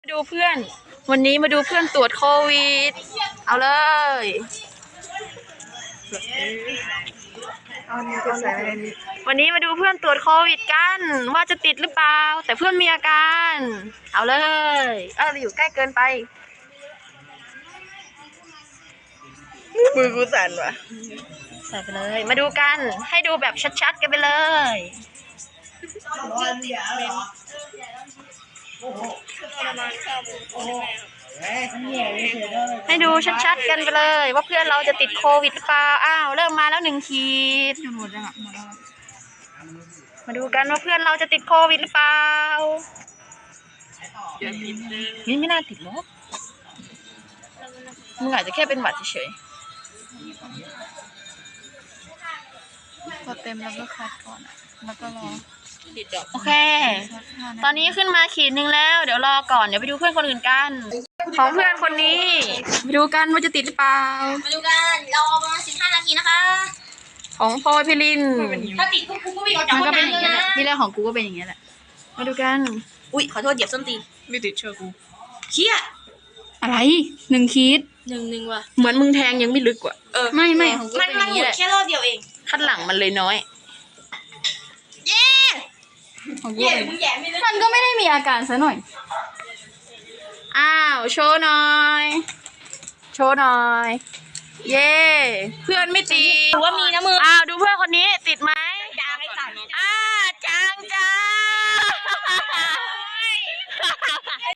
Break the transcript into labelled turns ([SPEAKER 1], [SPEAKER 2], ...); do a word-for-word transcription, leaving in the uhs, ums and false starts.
[SPEAKER 1] ดูเพื่อนวันนี้มาดูเพื่อนตรวจโควิดเอาเลยวันนี้มาดูเพื่อนตรวจโควิดกันว่าจะติดหรือเปล่าแต่เพื่อนมีอาการเอาเลยเอออยู่ใกล้เกินไป
[SPEAKER 2] มือกูสั่นวะ
[SPEAKER 1] ใส่ไปเลยมาดูกันให้ดูแบบชัดๆกันไปเลยให้ดูชัดๆกันไปเลยว่าเพื่อนเราจะติดโควิดหรือเปล่าอ้าวเริ่มมาแล้วหนึ่งขีดหมดแล้วหมดแล้วมาดูกันว่าเพื่อนเราจะติดโควิดหรือเปล่านี่ไม่น่าติดหรอกมึงอาจจะแค่เป็นหวัดเฉย
[SPEAKER 2] พอเต็มแล้วก็คัดก่อนแล้วก็รอ
[SPEAKER 1] โอเคตอนนี้ขึ้นมาขีดหนึ่งแล้วเดี๋ยวรอก่อนเดี๋ยวไปดูเพื่อนคนอื่นกันของเพื่อนคนนี้ไปดูกันว่าจะติดหรือเปล่า
[SPEAKER 3] มาดูกันรอประมาณสิบห้านาทีนะคะ
[SPEAKER 1] ของพลอยพิริน
[SPEAKER 3] ถ้าติดกูกูก็วิ่งออกจากห้องน้ำเลยนะ
[SPEAKER 1] ที่แรกของกูก็เป็นอย่างเงี้ยแหละมาดูกัน
[SPEAKER 3] อุ้ยขอโทษเหยียบส้นตี
[SPEAKER 2] ไม่ติดเชื่อกู
[SPEAKER 3] เชี่ย
[SPEAKER 1] อะไรหนึ่งขีด
[SPEAKER 3] หนึ่งหนึ่งว่ะ
[SPEAKER 1] เหมือนมึงแทงยังไม่ลึกกว่า
[SPEAKER 3] เออ
[SPEAKER 1] ไม่ไม่
[SPEAKER 3] มันมันหมดแค่รอบเดียวเอง
[SPEAKER 1] ขั้นหลังมันเลยน้อย
[SPEAKER 3] เย้
[SPEAKER 1] ของกู
[SPEAKER 3] เย้มึงแย่ไม่ได้
[SPEAKER 1] มันก็ไม่ได้มีอาการซะหน่อยอ้าวโชว์หน่อยโชว์หน่อยเย้เพื่อนไม่ติด
[SPEAKER 3] ถือว่ามีนะมือ
[SPEAKER 1] อ้าวดูเพื่อนคนนี้ติดไหม
[SPEAKER 3] จางไอ้สัตว์
[SPEAKER 1] อ่าจางจาง